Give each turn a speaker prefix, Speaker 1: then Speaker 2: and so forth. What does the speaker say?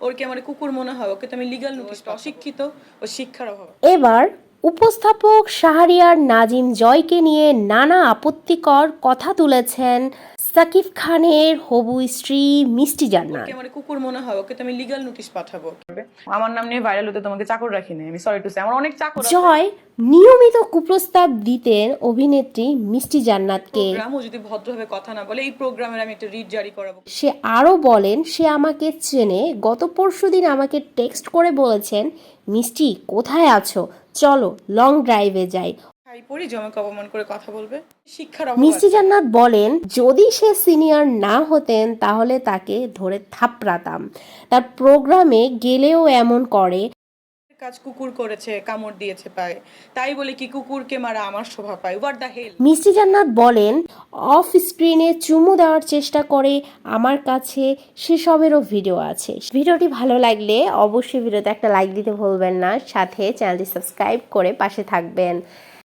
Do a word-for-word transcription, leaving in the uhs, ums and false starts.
Speaker 1: ওর কি আমার কুকুর মনে হয়? ওকে তো আমি লিগ্যাল নোটিশ, অশিক্ষিত ও শিক্ষার অভাব।
Speaker 2: এবার উপস্থাপক শাহরিয়ার নাজিম জয়কে নিয়ে নানা আপত্তিকর কথা তুলেছেন সাকিব খানের হবু স্ত্রী মিষ্টি
Speaker 1: ওর
Speaker 2: জান্নাত।
Speaker 1: কি আমার কুকুর মনে হয়? ওকে তো আমি লিগ্যাল নোটিশ পাঠাবো। আমার নাম নিয়ে ভাইরাল হতে তোমাকে চাকর রাখি না, আমি সরি টু সে, আমার অনেক চাকর আছে।
Speaker 2: জয় নিয়মিত কুপ্রস্তাব দিতেন অভিনেত্রী মিষ্টি জান্নাতকে।
Speaker 1: প্রোগ্রামও যদি ভদ্রভাবে কথা না বলে, এই প্রোগ্রামের আমি একটা রিট জারি করাবো।
Speaker 2: সে আরও বলেন সে আমাকে চেনে, গত পরশুদিন আমাকে টেক্সট করে বলেছেন মিষ্টি কোথায় আছো, চলো লং ড্রাইভে যাই।
Speaker 1: খাই পড়ি জমাকে অপমান করে কথা বলবে, শিক্ষার অভাব
Speaker 2: মিষ্টি
Speaker 1: আছে।
Speaker 2: জান্নাত বলেন যদি সে সিনিয়র না হতেন তাহলে তাকে ধরে থাপড়াতাম, তার প্রোগ্রামে গেলেও এমন করে।
Speaker 1: কাজ কুকুর করেছে, কামড় দিয়েছে পায়ে, তাই বলে কি কুকুরকে মারা আমার শোভা পায়? What the hell.
Speaker 2: Mishti Jannat বলেন অফ স্ক্রিনে চুমু দেওয়ার চেষ্টা করে, আমার কাছে সেসবেরও ভিডিও আছে। ভিডিওটি ভালো লাগলে অবশ্যই ভিডিওতে একটা লাইক দিতে ভুলবেন না, সাথে চ্যানেলটি সাবস্ক্রাইব করে পাশে থাকবেন।